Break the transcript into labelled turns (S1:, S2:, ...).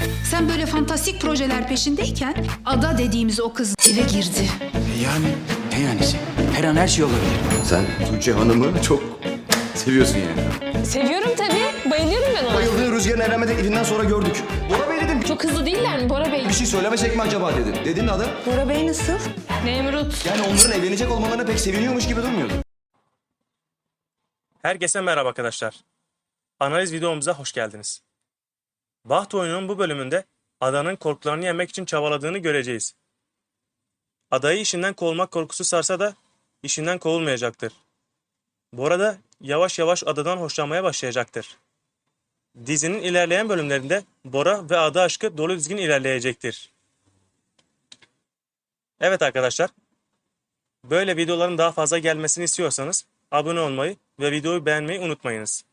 S1: Sen böyle fantastik projeler peşindeyken Ada dediğimiz o kız eve girdi.
S2: Yani ne yanisi? Her an her şey olabilir.
S3: Sen Tuğçe Hanım'ı çok seviyorsun yani.
S4: Seviyorum tabii. Bayılıyorum ben ona.
S3: Bayıldığı Rüzgar'ın evlenme teklifinden sonra gördük. Bora Bey dedim.
S4: Çok hızlı değiller mi Bora Bey?
S3: Bir şey söylemesek mi acaba dedim. Dedin adı.
S4: Bora Bey nasıl? Nemrut.
S3: Yani onların evlenecek olmalarına pek seviniyormuş gibi durmuyordu.
S5: Herkese merhaba arkadaşlar. Analiz videomuza hoş geldiniz. Baht oyununun bu bölümünde Ada'nın korkularını yenmek için çabaladığını göreceğiz. Ada'yı işinden kovulmak korkusu sarsa da işinden kovulmayacaktır. Bora da yavaş yavaş Ada'dan hoşlanmaya başlayacaktır. Dizinin ilerleyen bölümlerinde Bora ve Ada aşkı dolu dizgin ilerleyecektir. Evet arkadaşlar, böyle videoların daha fazla gelmesini istiyorsanız abone olmayı ve videoyu beğenmeyi unutmayınız.